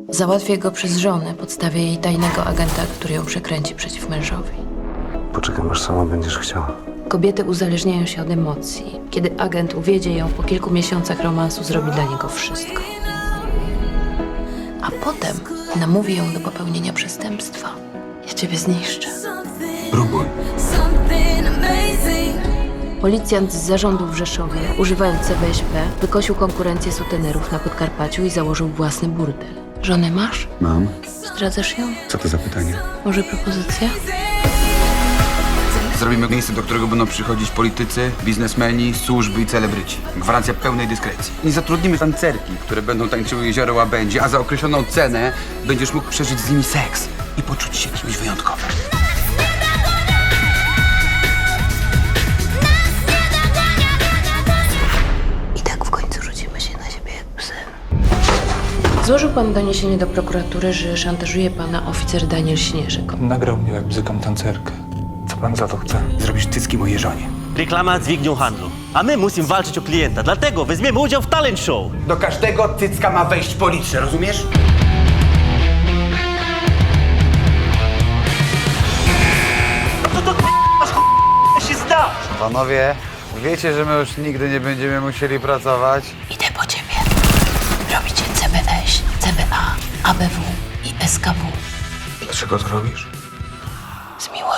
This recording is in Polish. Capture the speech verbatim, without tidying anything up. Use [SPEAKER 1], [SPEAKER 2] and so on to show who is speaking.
[SPEAKER 1] Załatwię go przez żonę, podstawię jej tajnego agenta, który ją przekręci przeciw mężowi.
[SPEAKER 2] Poczekam, aż sama będziesz chciała.
[SPEAKER 1] Kobiety uzależniają się od emocji. Kiedy agent uwiedzie ją, po kilku miesiącach romansu zrobi dla niego wszystko. A potem namówi ją do popełnienia przestępstwa. Ja ciebie zniszczę.
[SPEAKER 2] Próbuj.
[SPEAKER 1] Policjant z zarządu w Rzeszowie, używając C B S P, wykosił konkurencję sutenerów na Podkarpaciu i założył własny burdel. Żonę masz?
[SPEAKER 2] Mam.
[SPEAKER 1] Zdradzasz ją?
[SPEAKER 2] Co to za pytanie?
[SPEAKER 1] Może propozycja?
[SPEAKER 3] Zrobimy miejsce, do którego będą przychodzić politycy, biznesmeni, służby i celebryci. Gwarancja pełnej dyskrecji. Nie zatrudnimy tancerki, które będą tańczyły jezioro łabędzi, a za określoną cenę będziesz mógł przeżyć z nimi seks i poczuć się kimś wyjątkowym.
[SPEAKER 1] I tak w końcu rzucimy się na siebie jak psy. Złożył pan doniesienie do prokuratury, że szantażuje pana oficer Daniel Śnieżek.
[SPEAKER 4] Nagrał mnie, jak bzykam tancerkę. Co pan za to chce?
[SPEAKER 3] Zrobisz cycki mojej żonie.
[SPEAKER 5] Reklama dźwignią handlu. A my musimy walczyć o klienta, dlatego weźmiemy udział w talent show.
[SPEAKER 3] Do każdego cycka ma wejść po litrze, rozumiesz?
[SPEAKER 5] No to k***a się zda!
[SPEAKER 6] Panowie, wiecie, że my już nigdy nie będziemy musieli pracować?
[SPEAKER 1] Idę po ciebie. Robicie C B S, C B A, A B W i S K W.
[SPEAKER 2] Dlaczego to robisz?
[SPEAKER 1] Z miłości.